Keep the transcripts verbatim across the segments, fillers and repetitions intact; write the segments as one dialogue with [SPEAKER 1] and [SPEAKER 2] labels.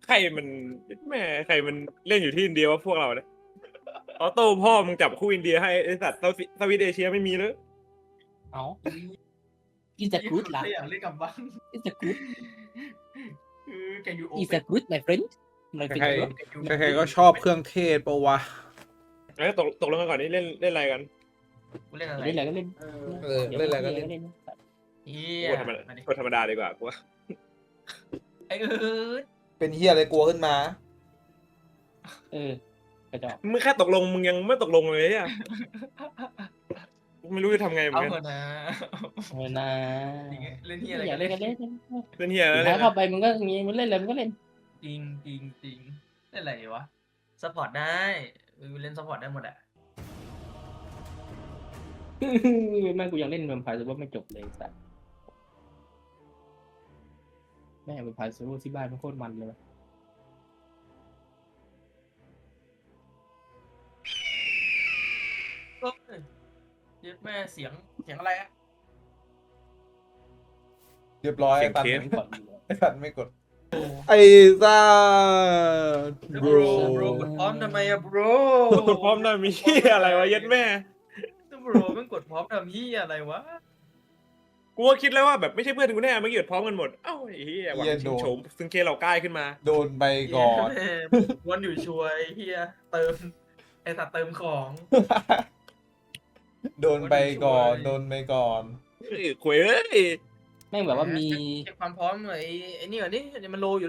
[SPEAKER 1] ใครมันแม่ใครมันเล่นอยู่ที่อินเดียวะพวกเราเนี่ยออโต้พ่อมึงจับคู่อินเดียให้ไอสัตว์สวิตเอเชียไม่มีเลย
[SPEAKER 2] เอ้า is a good ล่ะ
[SPEAKER 3] อยากเล่นกับบ้าง
[SPEAKER 2] is a good
[SPEAKER 3] คือแกยูโอ
[SPEAKER 2] is a good my friend my
[SPEAKER 4] ใคร
[SPEAKER 2] friend
[SPEAKER 4] ใครๆก็ชอบเครื่องเทศปะวะ
[SPEAKER 1] เอ้ยตกตกลงกันก่อนนี่เล่นเล่นอะไรกัน
[SPEAKER 3] กูเล่นอะไร
[SPEAKER 2] เล่นอะไรก็เล่น
[SPEAKER 3] เออ
[SPEAKER 4] เออเล่นอะไรก็เล่น
[SPEAKER 3] เฮี
[SPEAKER 1] กู
[SPEAKER 3] ย
[SPEAKER 1] ธรรมดา
[SPEAKER 3] มาดิ
[SPEAKER 1] กูธรรมดาดีกว่ากูว่า
[SPEAKER 3] ไอ้เออ
[SPEAKER 4] เป็นเฮียอะไรกลัวขึ้นมา
[SPEAKER 2] เออกระจอก
[SPEAKER 1] มึงแค่ตกลงมึงยังไม่ตกลงเลยอ่ะกูไม่รู้จะทำไงเหมือ
[SPEAKER 3] เอา
[SPEAKER 1] นกัน
[SPEAKER 3] เถอะนะ
[SPEAKER 2] เออนะ
[SPEAKER 3] เล่นเฮียอะไร
[SPEAKER 2] อยากเล่นก็เล่น
[SPEAKER 1] เล่นเฮีย
[SPEAKER 2] สุ
[SPEAKER 1] แล้ว
[SPEAKER 2] ด
[SPEAKER 1] เล
[SPEAKER 2] ท้าย
[SPEAKER 1] ย
[SPEAKER 2] เข้าไปมึงก็งี้มึงเล่นอะไรมึงก็เล่น
[SPEAKER 3] จริงจริงจริงเล่นอะไรวะซัพพอร์ตได้เออเล่นซัพพอร์ตได้หมดอะ
[SPEAKER 2] แม่งกูยังเล่นแวมไพร์ซูเปอร์ไม่จบเลยสัสแม่งแวมไพร์ซูเปอร์ที่บ้านมันโคตรมันเลย
[SPEAKER 3] ก็เย็ดแม่เสียงเสียงอะไรอะ
[SPEAKER 4] เรียบร้อย
[SPEAKER 1] เสี
[SPEAKER 4] ไอ้
[SPEAKER 1] ยง
[SPEAKER 4] ตัน
[SPEAKER 1] เคส
[SPEAKER 4] ไม่ไอ้ตันไม่กด ไอ้ซ่า
[SPEAKER 3] โบรโบรกดพร้อมทำไมอะโบร
[SPEAKER 1] พร้อมได้มีเฮียอะไรวะเย็ดแม่
[SPEAKER 3] โบรมันกดพร้อมทำเฮียอะไรวะ
[SPEAKER 1] กูก็คิดแล้วว่าแบบไม่ใช่เพื่อนกูแน่ไม่เกิดพร้อมกันหมดเอ้าไอ้เฮียหวัง
[SPEAKER 4] เหี้ย
[SPEAKER 1] ชิ
[SPEAKER 4] โด
[SPEAKER 1] ง
[SPEAKER 4] น
[SPEAKER 1] โฉมซึ่งเคเราใกล้ขึ้นมา
[SPEAKER 4] โดนไปก่อน
[SPEAKER 3] แม่วนอยู่ช่วยเฮียเติมไอ้สัตว์เติมของ
[SPEAKER 4] โดนไปก่อน โดนไปก่อน
[SPEAKER 1] เฮ้ยคุยเอ้ย
[SPEAKER 2] แม่งแบบว่ามี
[SPEAKER 3] เช็คความพร้อมหน่อยไอ้ไอ้นี่ก่อนนี่เดี๋ยวมันโลอยู่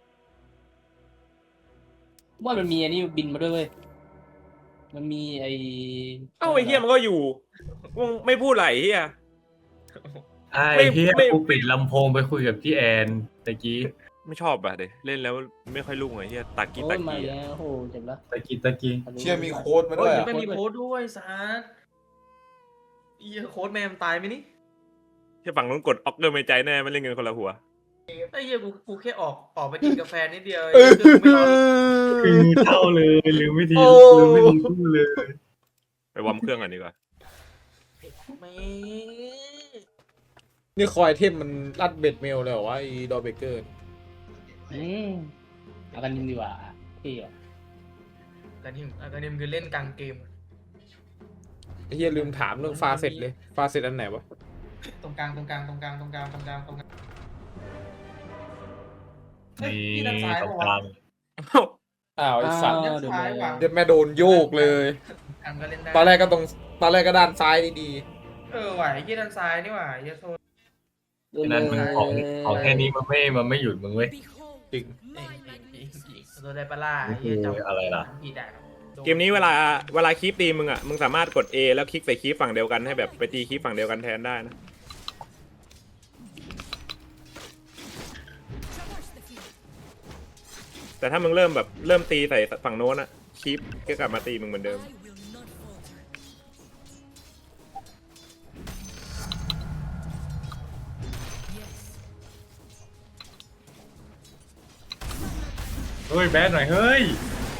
[SPEAKER 2] ว่ามันมีอันนี้บินมาด้วยเว้ยมันมีไอ
[SPEAKER 1] เอ้าไอ้เฮียมันก็อยู่มึงไม่พูดไหลเฮีย
[SPEAKER 5] ไอ้
[SPEAKER 1] ไม่
[SPEAKER 5] เฮีย
[SPEAKER 1] ไม่
[SPEAKER 5] กูปิดลำโพงไปคุยกับพี่แอนตะกี้
[SPEAKER 1] ไม่ชอบอะเด็เล่นแล้วไม่ค่อยรุ่งไอ้เฮียตากี้
[SPEAKER 2] โอ้
[SPEAKER 1] ตาย
[SPEAKER 2] มา
[SPEAKER 1] กี้
[SPEAKER 2] แล้วโอ้โหเจ็บละ
[SPEAKER 5] ตะกี้ตะกี้
[SPEAKER 4] เชี่ยมีโค้ดมา
[SPEAKER 3] โอ้
[SPEAKER 4] ด้วย ย
[SPEAKER 3] ยัง
[SPEAKER 4] อะ
[SPEAKER 3] ไม่มีโค้ดด้วยซาร์เฮียโค้ดแม่มันตายไหมนี่
[SPEAKER 1] แค่ฝั่งนู้นกดออกเดอร์ไม่ใจแน่ไม่เล่นเงินคนละหัว
[SPEAKER 3] ไอ้เฮียกูกูแค่ออกออกไปกินกาแฟนิดเดียว
[SPEAKER 4] เออ
[SPEAKER 3] เครื่องไม่ร้อน
[SPEAKER 5] คือเท่าเลยลืมวิธี
[SPEAKER 4] โอ้
[SPEAKER 5] ลืมวิธีพูดเลย
[SPEAKER 1] ไปวอร์มเครื่องก่อนดีกว่า
[SPEAKER 3] ไม่
[SPEAKER 4] นี่คอยเทมมันรัดเบ็ดเมลเลยเหรอวะไอ้ดอเบเกอร์
[SPEAKER 2] อืมเอากันยิงดีกว่าพี่อ่ะ
[SPEAKER 3] การที่การที่มันคือเล่นกลางเกม
[SPEAKER 4] ไอ้เฮียลืมถามเรื่องฟาเสร็จเลย ฟาเสร็จอันไหนวะ
[SPEAKER 3] ตรงกลางตรงกลางตรงกลางตรงกลางตรงกลางตรงกลางเฮ้ย
[SPEAKER 5] นี่
[SPEAKER 3] พี่ด้านซ้าย
[SPEAKER 5] ตรง
[SPEAKER 3] ปะ
[SPEAKER 5] กลาว
[SPEAKER 3] ะ
[SPEAKER 5] ง
[SPEAKER 4] อ้าวไอ้สัตว์
[SPEAKER 3] ด้านซ้ายว่ะ
[SPEAKER 4] เดี๋ยวแม่โดนโยกเลย
[SPEAKER 3] ทางก็เล่นได้
[SPEAKER 4] ตอนแรกก็ตรง ตอนแรกก็ด้านซ้ายดี
[SPEAKER 3] เออไหวที่ด้านซ้ายนี่หว่าเฮียโทษ
[SPEAKER 5] นั้นมันของของแค่นี้มันไม่มันไม่หยุดมึงเว้ย
[SPEAKER 4] ๆจริง
[SPEAKER 3] เองจริงจริงจริงโดนได้ปะล่ะ
[SPEAKER 5] นี่
[SPEAKER 3] เฮียจำ
[SPEAKER 5] คืออะไรล่ะ
[SPEAKER 3] ผิดได้หรอ
[SPEAKER 1] เกมนี้เวลาเวลาคีปตีมึงอ่ะมึงสามารถกด A แล้วคลิกใส่คีปฝั่งเดียวกันให้แบบไปตีคีปฝั่งเดียวกันแทนได้นะแต่ถ้ามึงเริ่มแบบเริ่มตีใส่ฝั่งโน้นอ่ะคีปก็กลับมาตีมึงเหมือนเดิม
[SPEAKER 5] เฮ้ยแบดหน่อยเฮ้ย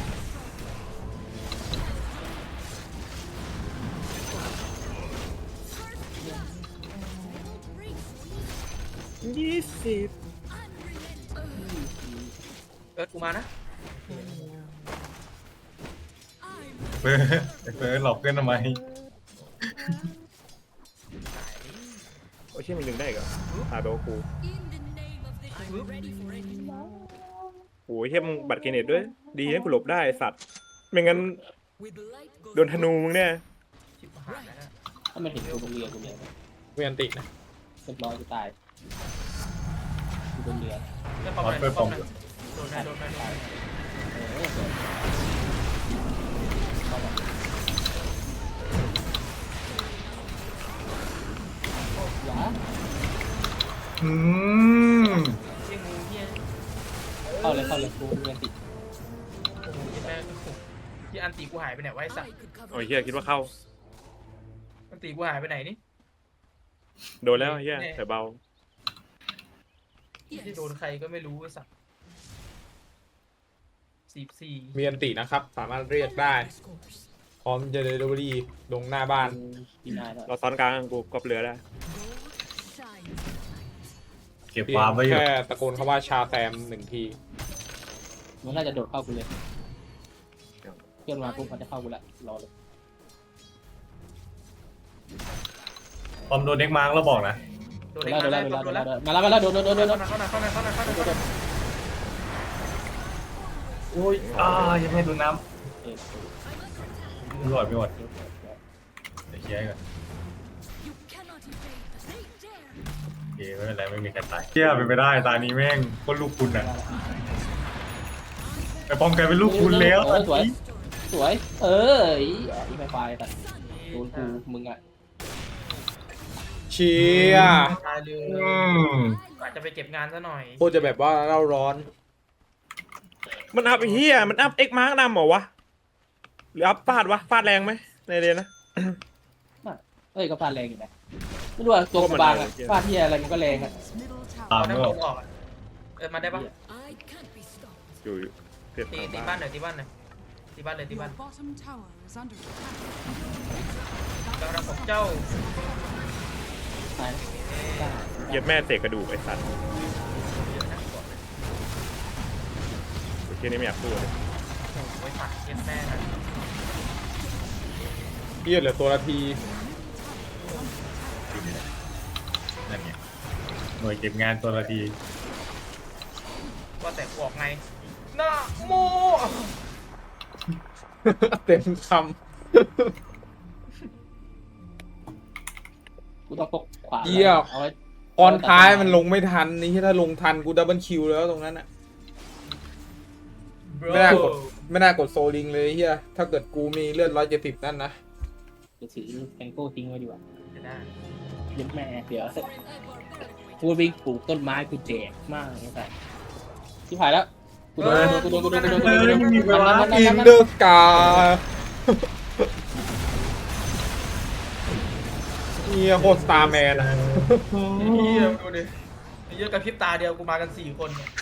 [SPEAKER 1] ยี่สิบ
[SPEAKER 3] เอิร์ธกูมานะ
[SPEAKER 5] เฟิร์สเฟิร์สหลอกเพื่อนทำไม
[SPEAKER 1] โอ้ยเชี่ยมันดึงได้อีก็อาโดกูโอ้ยเชี่ยมึงบัตรเกเนตด้วยดีนะกูหลบได้ไอ้สัตว์ไม่งั้นโดนธนูมึงเนี่ย
[SPEAKER 3] ชิบหายแล้วนะ
[SPEAKER 2] ถ้ามันเห็นกูบนเรือกูเนี่ย
[SPEAKER 4] เวียนตินะ
[SPEAKER 2] เรียบร้อยกูตายกูบนเรือ
[SPEAKER 3] เล่นป้อมไหนป้อมไหนโดนไหนโดนไหนโดนไหน
[SPEAKER 2] เออเข้ามา หวา
[SPEAKER 5] อืม
[SPEAKER 3] เฮียงูเฮีย
[SPEAKER 2] เข้าเลยเข้าเลยกูเรียนติด
[SPEAKER 3] โอ้โหเฮียแม่ที่อันตีกูหายไปไหนวะไอ้สัตว์
[SPEAKER 1] โอ้ยเชี่ยคิดว่าเข้า
[SPEAKER 3] อันตีกูหายไปไหนนี่
[SPEAKER 1] โดนแล้วเชี่ยแต่เบา
[SPEAKER 3] ที่โดนใครก็ไม่รู้ไอ้สัตว์สี่สี่
[SPEAKER 4] เวียนตินะครับ สามารถเรียกได้ พร้อมจะเดลิเวอรี่ลงหน้าบ้าน
[SPEAKER 2] ปีหน้าแล้ว
[SPEAKER 1] เราซ้อนกลางกูกอบเรือได้
[SPEAKER 5] เก็บ
[SPEAKER 4] เพีย
[SPEAKER 5] ความ
[SPEAKER 4] ง
[SPEAKER 5] ไว้อยู่
[SPEAKER 4] แค่ตะโกนคำว่าชาแซมหนึ่งที
[SPEAKER 2] มันน่าจะโดดเข้ากูเลยเพื่อนมาปุ๊บมันจะเข้ากูละรอเลย
[SPEAKER 5] ตอนโดนเด็กมาร์กแล้วบอกนะ
[SPEAKER 3] โด
[SPEAKER 2] โด
[SPEAKER 3] น
[SPEAKER 2] น
[SPEAKER 3] เล็
[SPEAKER 2] แล้ว
[SPEAKER 3] ก
[SPEAKER 2] โด
[SPEAKER 3] มาน
[SPEAKER 2] แล้ว
[SPEAKER 3] แล้ว
[SPEAKER 2] โดนแล้วโดนแล้วมาแล้วมาแล้วโดนโดนโดนโดนโดน
[SPEAKER 3] เข้าหน้าเข้าหน้าเข้าหน้าเข้าหน้าเข้าหน้า
[SPEAKER 5] โอ้ยอ่ายังไม่โดนน้
[SPEAKER 2] เออ
[SPEAKER 5] ำไม่หมดไม่หมดเดี๋ยวเคลียร์ก่อนโอเคไม่เป็นไรไม่มีใครตายเชี่ยเป็นไปได้ตานี้แม่งคนลูกคุณอ่ะไปป้องกันเป็นลูกคุณแล้ว
[SPEAKER 2] เออสวยสวยเออไอ้ไฟไฟแต่โดนกูมึงอ่ะ
[SPEAKER 4] เชีย
[SPEAKER 3] ตายเลย
[SPEAKER 5] อืม
[SPEAKER 3] อาจจะไปเก็บงานซะหน่อย
[SPEAKER 4] โคตรจะแบบว่าเราร้อน
[SPEAKER 1] มันอัพไอ้เฮียมันอัพเอ็กมาร์กนำเหรอวะหรืออัพฟาดวะฟาดแรงไหมในเรียนนะ
[SPEAKER 2] เอ้ยก็ฟาดแรงอยู่นะไม่รู้ว่าตัวกูบางอ่ะฟาดที่อะไรมันก็แรงอ่ะ
[SPEAKER 5] ตาม
[SPEAKER 3] เอา
[SPEAKER 5] ไม่
[SPEAKER 3] น้ำ
[SPEAKER 5] อ
[SPEAKER 3] ล
[SPEAKER 5] อก
[SPEAKER 3] งออกอะเออมาได้ปะ
[SPEAKER 1] อยู่อยู่เพียบ
[SPEAKER 3] ตี
[SPEAKER 1] ทาง
[SPEAKER 3] ตี
[SPEAKER 1] บ้า
[SPEAKER 3] บ้าน นหน่อยตีบ้านหน่อยตีบ้านเลยตีบ้าน
[SPEAKER 6] bottom tower is under attack.
[SPEAKER 3] กำลังผมเจ้า
[SPEAKER 2] ตายนะ
[SPEAKER 1] เหยียบแม่เตะกระดูกไอ้สัตว์โอเคนี่ไม่อยากพูดเลย
[SPEAKER 3] ไว้ฝักเย็นแม่นะ
[SPEAKER 4] เฮียเหลือตัวละที
[SPEAKER 5] นั่นไงหน่วยเก็บงานตัวละที
[SPEAKER 3] ว่าแต่กูออกไงนะโม
[SPEAKER 4] เต็มค
[SPEAKER 2] กูต้องปกขวา
[SPEAKER 4] ำเยี่ย
[SPEAKER 2] เอาไว้
[SPEAKER 4] ตอนท้ายมันลงไม่ทันนี่ถ้าลงทันกูดับเบิลคิวแล้วตรงนั้นอ่ะ ไม่น่ากด ไม่น่ากดโซลิงเลยเฮียถ้าเกิดกูมีเลือดร้อยเจ็ดสิบนั่นนะ
[SPEAKER 2] จะถือแทงโก้ทิ้งไว้ดีกว่า
[SPEAKER 3] จะได้
[SPEAKER 2] เย็นแม่เดี๋ยวกูวิ่งปลูกต้นไม้กูแจกมากเลยแต่ที่ผ่านแล้วกูโดนกูโดนกูโดนกูโดนกูโดนกูโดนกูโดนมันมัน
[SPEAKER 4] อิ
[SPEAKER 2] มัน
[SPEAKER 4] น
[SPEAKER 2] มัน
[SPEAKER 4] เดอร์สกาเฮียโคตรสตาร์แมนอะ
[SPEAKER 3] เฮียดูดิเยอะกับพริบตาเดียวกูมากันสี่คนเนี่ย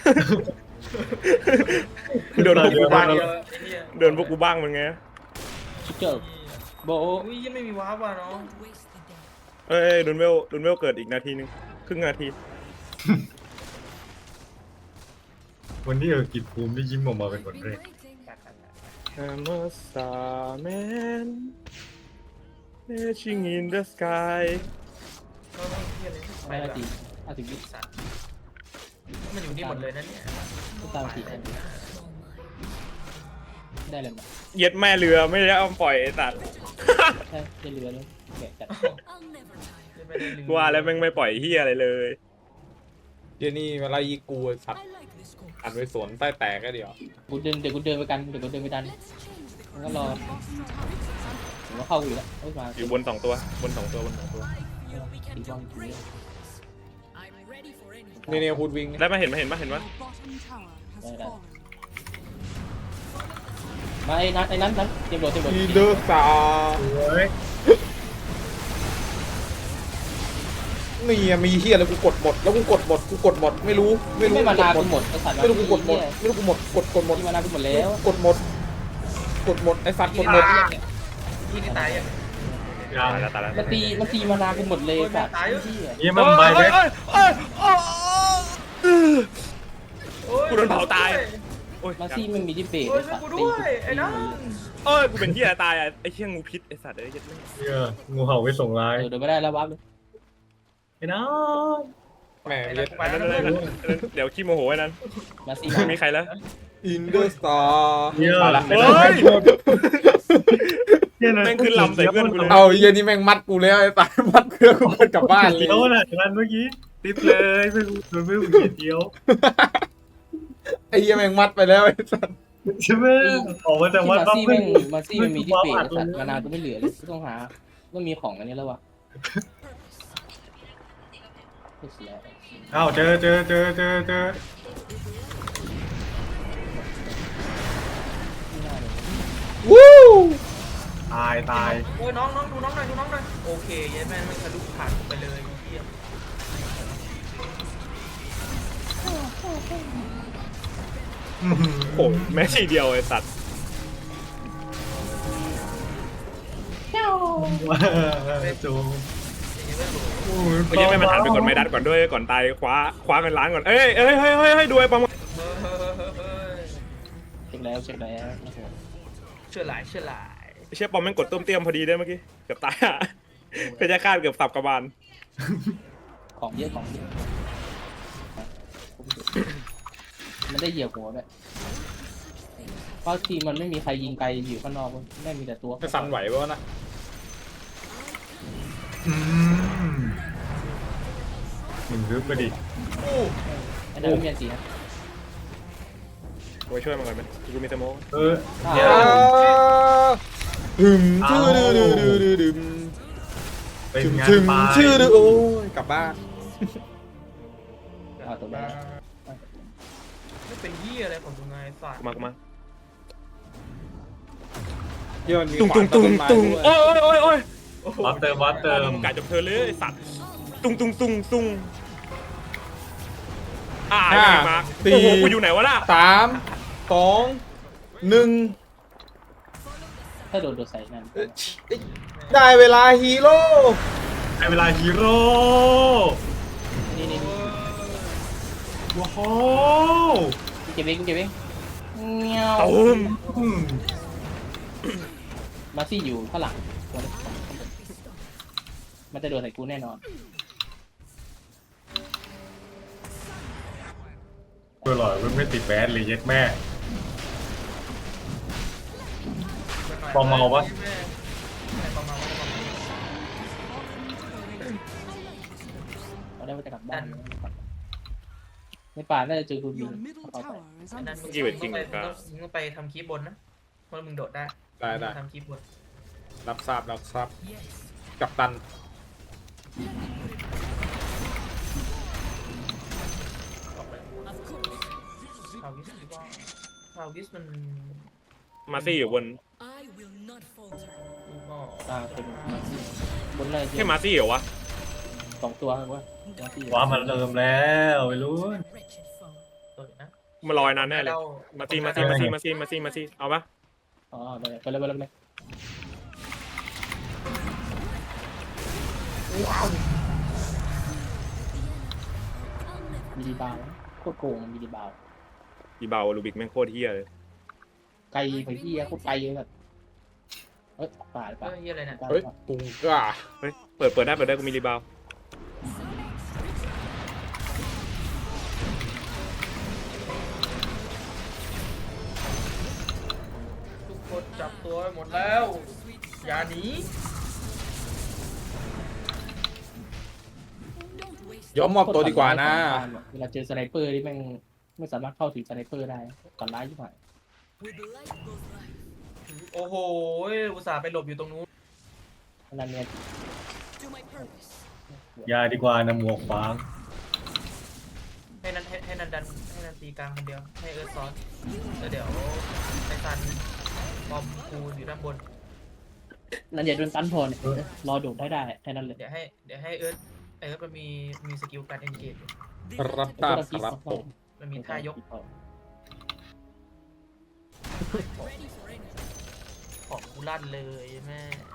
[SPEAKER 1] โดนพวกกูบ้าง
[SPEAKER 3] เดียวไอ้เหี้ย
[SPEAKER 1] เดินพวกกูบ้างมันไง
[SPEAKER 2] ชิคเกอร์โบ
[SPEAKER 3] อุ้ยยังไม่มีว้าวว่ะน้อง
[SPEAKER 1] เอ้ยดุนเวลดุนเวลเกิดอีกนาทีนึงครึ่งนาที
[SPEAKER 5] วันนี้เออกิจภูมิได้ยิ้มออกมาเป็นคนแรก
[SPEAKER 1] I'm a starman Marching in the sky
[SPEAKER 3] ก็ไม่เฮียเลยไป
[SPEAKER 2] ไม่
[SPEAKER 3] แบ
[SPEAKER 2] นา
[SPEAKER 3] บ
[SPEAKER 2] ทีห้าสิบวิ
[SPEAKER 3] สัตว์มันอยู่นี่หมดเลยนะเนี่ย
[SPEAKER 2] ก็ตามสี่ได้เลยมั้ย
[SPEAKER 1] เหยียดแม่เรือไม่ได้เอาปล่อยไอ้สัตว์
[SPEAKER 2] ใช่ได้เรือเลยแกะจัด
[SPEAKER 3] ไม่ได้ลืม
[SPEAKER 1] ว่าแล้วแม่งไม่ปล่อยเฮียอะไรเลย
[SPEAKER 4] เดี๋ยวนี้มาไล่ยิงกูไอ้สัตว์อัดไปสวนใต้แตกก็เดี๋ยว
[SPEAKER 2] กูเดินเดี๋ยวกูเดินไปกันเดี๋ยวกูเดินไปดันมันก็รอ
[SPEAKER 6] Bottom tower is under attack.
[SPEAKER 2] ผมก็เข้าอยู่แล้วไม่มา
[SPEAKER 1] อยู่บนสองตัวบนสองตัวบนสองตัว
[SPEAKER 2] ตีบอลทีนี้
[SPEAKER 4] นี่เนี่ยพูดวิ่ง
[SPEAKER 1] ได้มาเห็นมาเห็นมาเห็น
[SPEAKER 6] Your
[SPEAKER 1] ว่า
[SPEAKER 6] bottom tower has
[SPEAKER 2] Đây, đây.
[SPEAKER 6] fallen.
[SPEAKER 2] มาไอ้นั้นไอ้นั้นนั้นเตรียมโดดเตรียมโดด
[SPEAKER 4] อินเดอร์สกา
[SPEAKER 5] เฮ้ย
[SPEAKER 4] นี่อะมีเฮียแล้วกูกดหมดแล้วกูกดหมดกูกดหมดไม่รู้ไม่รู้
[SPEAKER 2] ไม่มานา
[SPEAKER 4] กู
[SPEAKER 2] กูหมดไอ้สัตว์
[SPEAKER 4] ไม่รู้กูกดหมดไม่รู้กูหมดกดกดหมด
[SPEAKER 2] ที่มานากูหมดแล้ว
[SPEAKER 4] กดหมดกดหมดไอ้สัตว์กดหมด
[SPEAKER 3] ที่นี่ตายยัง
[SPEAKER 5] ยัง
[SPEAKER 1] ตายแล้วตายแล้ว
[SPEAKER 2] มันตีมันตีมานากูหมดเลยสัตว์
[SPEAKER 3] ตาย
[SPEAKER 2] ที่
[SPEAKER 5] ยี่มันไปไหม
[SPEAKER 1] เอ้ยเอ้ยเอ้ยเอ้ย
[SPEAKER 3] โอ้ย
[SPEAKER 1] กูโดนเผาตาย โอ้ย
[SPEAKER 2] มาซี่มันมีที่เบรก
[SPEAKER 3] โอ้ย
[SPEAKER 2] ไอ้สัตว์
[SPEAKER 3] กู
[SPEAKER 2] ตี
[SPEAKER 3] ด้วยไอ้นั่น
[SPEAKER 1] เอ้ยกูเป็นเฮียตายอ่ะไอ้เชี่ยงูพิษไอ้สัตว์ไอ้เหี้ยแม่ง
[SPEAKER 5] เหี้ยงูเห่าไปส่งไลน์
[SPEAKER 2] เออเดินไม่ได้แล้ววับเลย
[SPEAKER 5] ไอ้น้อง
[SPEAKER 4] แหม
[SPEAKER 3] ไอ้
[SPEAKER 4] เรี
[SPEAKER 3] นั่
[SPEAKER 4] ย
[SPEAKER 3] น
[SPEAKER 4] ก
[SPEAKER 3] ไป
[SPEAKER 1] อัน
[SPEAKER 3] แล้
[SPEAKER 1] นั้
[SPEAKER 3] วน นะ
[SPEAKER 1] อันนั้นอันนั้นเดี๋ยวขี้โมโหไอ้นั้น
[SPEAKER 2] มาซี่
[SPEAKER 1] ไม่มีใครแล้ว
[SPEAKER 4] อินเดอร์สกา
[SPEAKER 5] เหี้ย
[SPEAKER 4] เอาละ
[SPEAKER 1] เฮ้ย
[SPEAKER 5] เหี้ยะ
[SPEAKER 1] แม่งขึ้นลำใส่เพื่อนกูเลย
[SPEAKER 4] เอาไอ้เหี้ยนี่แม่งมัดกูแล้วไอ้ตายมัดเพื่อกูเดินกลับบ้านเลย
[SPEAKER 5] เดียวน่ะงานเมื่อกี้ติดเลยไม่รู้โดนไม่รู้กี่เดียว
[SPEAKER 4] ไอ้เหี้ยแม่งมัดไปแล้วไอ้สัตว์
[SPEAKER 5] ใช่ไหมออกมาจาก
[SPEAKER 2] ที่
[SPEAKER 5] วัด
[SPEAKER 2] มา
[SPEAKER 5] ปั๊บ
[SPEAKER 2] ซี่
[SPEAKER 5] ไม่
[SPEAKER 2] แม่งมาซี่มันมีที่เบรกไอ้สัตว์มานากูไม่เหลือเลยกูต้องหาต้องมีของอันนี้แล้ววะเสีย
[SPEAKER 5] อ้าวเจอเจอเจอเจอเจอ
[SPEAKER 2] ไม่ได้เลย
[SPEAKER 4] วู้
[SPEAKER 5] ตายตาย
[SPEAKER 3] โอ้ยน้องน้องดูน้องหน่อยดูน้องหน่อยโอเคเยัยแม่งไม่ทะลุผ่านไปเลยเยี่ยม
[SPEAKER 5] อื้อหือ
[SPEAKER 1] โอ้ยแม่ชีเดียวไอ้สัตว์
[SPEAKER 5] ว้าจูโอ้ย
[SPEAKER 1] เมื่อกี้แม่มันหันไปกดไม้ดัดก่อนด้วยก่อนตายคว้าคว้าเงินล้านก่อนเอ้ยเอ้ยเฮ้ยเฮ้ยเฮ้ยดูไอ้ปอม
[SPEAKER 3] เฮ้ย
[SPEAKER 2] เช็คแล้วเช็คแล้วนะครับ
[SPEAKER 3] เชื่อหลายเชื่อหลาย
[SPEAKER 1] ไอ้เชี่ยปอมแม่งกดต้มเตี้ยมพอดีได้เมื่อกี้เกือบตายอ่ะเพชรฆาตเกือบสับกระบาล
[SPEAKER 2] ของเยอะของเยอะมันได้เหยียบหัวด้วยเพราะทีมมันไม่มีใครยิงไกลอยู่ข้างนอกไม่มีแต่ตัว
[SPEAKER 4] ไม่สั่นไหวปะวะนะ
[SPEAKER 5] อืมมึงรึบไปดิ
[SPEAKER 2] ไอ้นั่นไม่มีอันตีนะ
[SPEAKER 1] กูไปช่วยมันก่อนไหมกูมีสโมก
[SPEAKER 5] เออ
[SPEAKER 2] อ่า
[SPEAKER 5] เดี๋ยว
[SPEAKER 4] ถึมชื่อดื้อดื้อดื้อดื้อดื้อ
[SPEAKER 5] เป็น
[SPEAKER 4] ถึม
[SPEAKER 5] งาน
[SPEAKER 4] ถึม
[SPEAKER 5] ไป
[SPEAKER 4] ชื่อดื้อโอ้ยกลับบ้าน
[SPEAKER 2] เอาตัวแม่
[SPEAKER 3] ไม่เป็นเหี้ยอะไรของมึงไงสัตว์
[SPEAKER 1] กูมากูมา
[SPEAKER 4] เหี้ยมันมี
[SPEAKER 1] ตุ้ง
[SPEAKER 4] ขวา
[SPEAKER 1] ตุ้
[SPEAKER 4] น
[SPEAKER 1] ง
[SPEAKER 4] ต้
[SPEAKER 1] ตุ้
[SPEAKER 4] น
[SPEAKER 1] ง
[SPEAKER 4] ไม้
[SPEAKER 1] ตุ้ง
[SPEAKER 4] ด้วย
[SPEAKER 1] โอ้ยโอ้ยโอ้ย
[SPEAKER 5] วัดเติมวัดเติม
[SPEAKER 1] กาจบเธอเลยไอ้สัตว์ตุ้งตุ้งตุ้งตุ้งอ่าไอ้แม่งมาโอ้โหกูอยู่ไหนวะล่ะ
[SPEAKER 4] สามสองหนึ่ง
[SPEAKER 2] ถ้าโดนโดนใส่นั่น
[SPEAKER 4] ได้เวลาฮีโร่
[SPEAKER 5] ในเวลาฮีโร่
[SPEAKER 2] นี่นี่นี่
[SPEAKER 5] ว้าว
[SPEAKER 2] เก็บเองเก็บเองเงี้ยว
[SPEAKER 1] ตูม
[SPEAKER 5] อืม
[SPEAKER 2] มาซี่อยู่ข้างหลังตัวนี้มันจะโดนใส่กูแน่นอน
[SPEAKER 5] เพื่อหล่อยไม่ติดแบสเลยเย็ดแม่ ปอมเมาวะ
[SPEAKER 3] ปอมเมาวะ
[SPEAKER 2] เราได้ว่าจะกลับบ้านในป่าน่าจะเจอคุณบิน
[SPEAKER 6] Your middle
[SPEAKER 2] เอาไป
[SPEAKER 6] tower is
[SPEAKER 3] ไอ้นั่น
[SPEAKER 6] under
[SPEAKER 3] มึง
[SPEAKER 1] จริงเหรอจริ
[SPEAKER 3] ต้อง
[SPEAKER 1] ง
[SPEAKER 3] ไป
[SPEAKER 1] เหรอ
[SPEAKER 3] มึงต้องไปทำคลิปบนนะเพราะมึงโดดได้
[SPEAKER 4] ได้ได้
[SPEAKER 3] ทำคลิปบน
[SPEAKER 4] รับทราบรับทราบกับตัน
[SPEAKER 3] ออกไปพาวิสดีกว่าพาวิสมัน
[SPEAKER 1] มาซี่อยู่บน
[SPEAKER 3] กูก็
[SPEAKER 2] อ่าเป็นมาซี่บนเลย
[SPEAKER 1] แค่มาซี่เหรอวะ
[SPEAKER 2] สองตัวครับว่ามาซี่
[SPEAKER 5] ว้ามันเติมแล้วไปรู้น
[SPEAKER 3] ตัวนะ
[SPEAKER 1] มันลอยนานแน่เลยมาซี่มาซี่มาซี่มาซี่มาซี่มาซี่เอาปะ
[SPEAKER 2] อ๋อไปเลยไปเลยไปเลยไปเลยมีดีบาวโคตรโกงมีดีบาว
[SPEAKER 1] อีเบาลูบิกแม่งโคตรเฮี้ยเลย
[SPEAKER 2] ไกลไปที่โคตรไกลเลยแบบเอ้ยป่าหรือ
[SPEAKER 3] เฮ้
[SPEAKER 2] ป่าย
[SPEAKER 3] เหี้ยอะไรเนี่ย
[SPEAKER 4] เฮ้ยตุงก้า
[SPEAKER 1] เฮ้ยเปิดเปิดได้เปิดได้กูมีรีบาว
[SPEAKER 3] ทุกคนจับตัวไว้หมดแล้วอย่าหนี
[SPEAKER 4] ยอมมอบตัวดีกว่านะ
[SPEAKER 2] เวลาเจอสไนเปอร์ที่แม่งไม่สามารถเข้าถึงสไนเปอร์ได้ก่อนร้ายยิ่งกว่า
[SPEAKER 3] โอ้โหอุตส่าห์ไปหลบอยู่ตรงนู้น
[SPEAKER 2] ขนาดเนี้ย
[SPEAKER 5] ยาดีกว่านะหมวกฟาง
[SPEAKER 3] ให้นันให้ให้นันดันให้นันตีกลางคนเดียวให้เอิร์ธซ้อนแล้วเดี๋ยวในซันบอมคูอยู่ด้านบน
[SPEAKER 2] นั่นอย่าโดนตันพอเนี่ยรอโดดได้ได้แค่นั้นเลย
[SPEAKER 3] เดี๋ยวให้เดี๋ยวให้เอิร์ธเอิร์ธมันมีมีสกิลการเอนเกจ
[SPEAKER 4] รับทราบครับผม
[SPEAKER 3] มันมีท่ายกของกูลั่นเลยแม่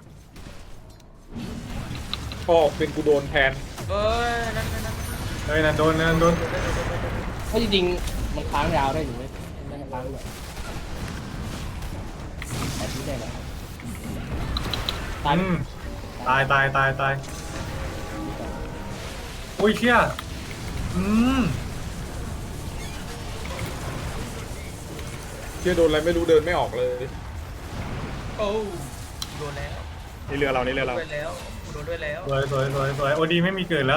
[SPEAKER 4] พ่อเป็นกูโดนแทน
[SPEAKER 3] เอ้ยนั่นนั่นนั่น
[SPEAKER 5] เฮ้ยนั่นโดนนั่นโดน
[SPEAKER 2] เพราะจริงๆมันค้างยาวได้อยู่เลยไม่ได้ค้างเลยแต่ที่ได้เลยตาย
[SPEAKER 5] อืมตายตายตายตายโอ้ยเชี่ยอืม
[SPEAKER 4] เชื่อโดนอะไรไม่รู้เดินไม่ออกเลย
[SPEAKER 3] โอ้โดนแล้ว
[SPEAKER 1] นี่เรือเรานี่เรือเรา
[SPEAKER 3] ด้วยแล้วโดนด้วยแล้ว
[SPEAKER 5] สวยสวยสวยสวยโอดีไม่มีเกิดแล้ว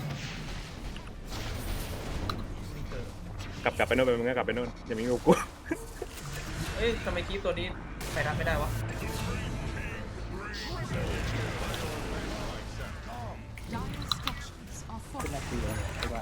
[SPEAKER 3] มีเกิด
[SPEAKER 1] กลับกลับไปโน่นไปมึงก็กลับไปโน่นอย่ามีงูกู
[SPEAKER 3] เอ้ยทำไมคลิปตัวนี้ใครรับไม่ได้วะ
[SPEAKER 6] Dire structures are
[SPEAKER 2] ขึ้น
[SPEAKER 6] falling.
[SPEAKER 2] นาทีเลยเพราะว่า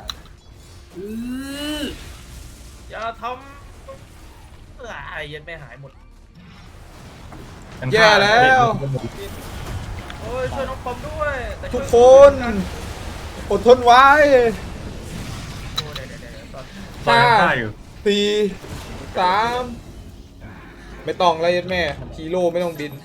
[SPEAKER 3] อย่าทำเอ้ยไอ้ยันไม่หายหมด
[SPEAKER 4] แย่แล้ว
[SPEAKER 3] โอ้ยช่วยน้องปอมด้วยแต่ช่วย
[SPEAKER 4] ทุกคนอดทนไว้
[SPEAKER 3] โอ้เดี๋ยวเดี๋ยวเดี๋ยวตอน
[SPEAKER 5] ตายฆ่าอยู่
[SPEAKER 4] สี่สามไม่ต้องอะไรยัดแม่ฮีโร่ไม่ต้องบิน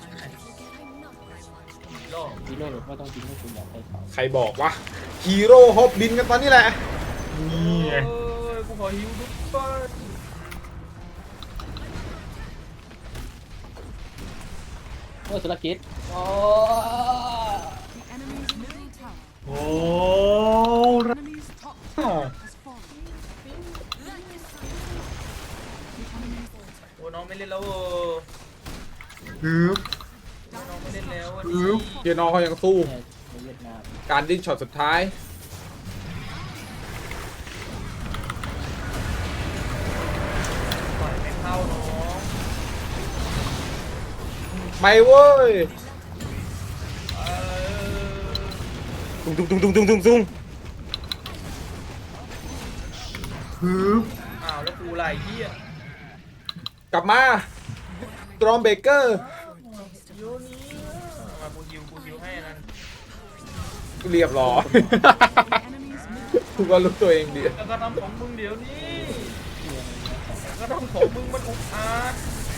[SPEAKER 3] โลก
[SPEAKER 2] ฮีโร่หรือว่าต้องยิงให้คุณอยากไปเขา
[SPEAKER 4] ใครบอกวะฮีโร่ฮอบบินกันตอนนี้แหละ
[SPEAKER 5] นี่ไง
[SPEAKER 3] เอ้ยกูขอฮิวทุกคน
[SPEAKER 2] อสุรกิจโอ้
[SPEAKER 6] The enemy's middle tower.
[SPEAKER 5] โอ้
[SPEAKER 6] Enemy's top tower has fallen. The enemy's
[SPEAKER 3] โอ้น้องไม่เล่นแล้วเออ
[SPEAKER 5] ฮึบ
[SPEAKER 3] น้องไม่เล่นแล้วอัน
[SPEAKER 5] ฮึ
[SPEAKER 3] นี้
[SPEAKER 5] บ
[SPEAKER 4] เฮียน้องเขายังสู้
[SPEAKER 2] ในเวียดนาม
[SPEAKER 4] การดิ้นช็อตสุดท้าย
[SPEAKER 3] ปล่อยไม่เข้าน้อง
[SPEAKER 4] ไม่เว้ย
[SPEAKER 3] เออ
[SPEAKER 1] ตุ้งตุ้งตุ้งตุ้งตุ้งตุ้งตุ้ง
[SPEAKER 5] ฮึบ
[SPEAKER 3] อ้าวแล้วกูไรเหี้ย
[SPEAKER 4] กลับมาตรอมเบเกอร์
[SPEAKER 3] โยนี้มากูฮิวกูฮิวให้อันนั้น
[SPEAKER 4] เรียบร้อย
[SPEAKER 6] the enemy's middle
[SPEAKER 4] กูก็รู้ตัวเองดี
[SPEAKER 3] แล้วก็ทำของมึงเดี๋ยวนี้แล้วก็ทำของมึงมันอุกอาจ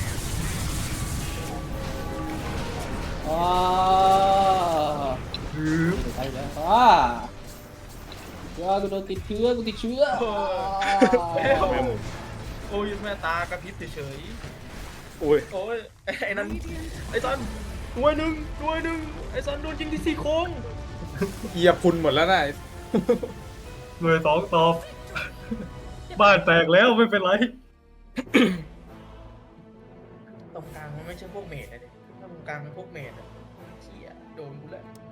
[SPEAKER 2] ว้า
[SPEAKER 5] ฮึบ
[SPEAKER 2] ไปแล้วว้าเดี๋ยวกูโดนติดเชื้อกูติดเชื้อ
[SPEAKER 1] แม่หมู
[SPEAKER 3] โอ้ยแม่ตากระพริบเฉย
[SPEAKER 1] โอ้ย
[SPEAKER 3] ๆโอ้ยไอ้นั่นไอ้ซันด้วยหนึ่งด้วยหนึ่งไอ้ซันโดนยิงที่ซี่โครง
[SPEAKER 4] เหยียบคุณหมดแล้วนะ
[SPEAKER 5] หน่วยสองตอบ บ้านแตกแล้วไม่เป็นไร
[SPEAKER 3] ตรงกลางมันไม่ใช่พวกเมดนะเด็กถ้าตรงกลางเป็นพวกเมดอะเชี่ยโดนกูแล้ว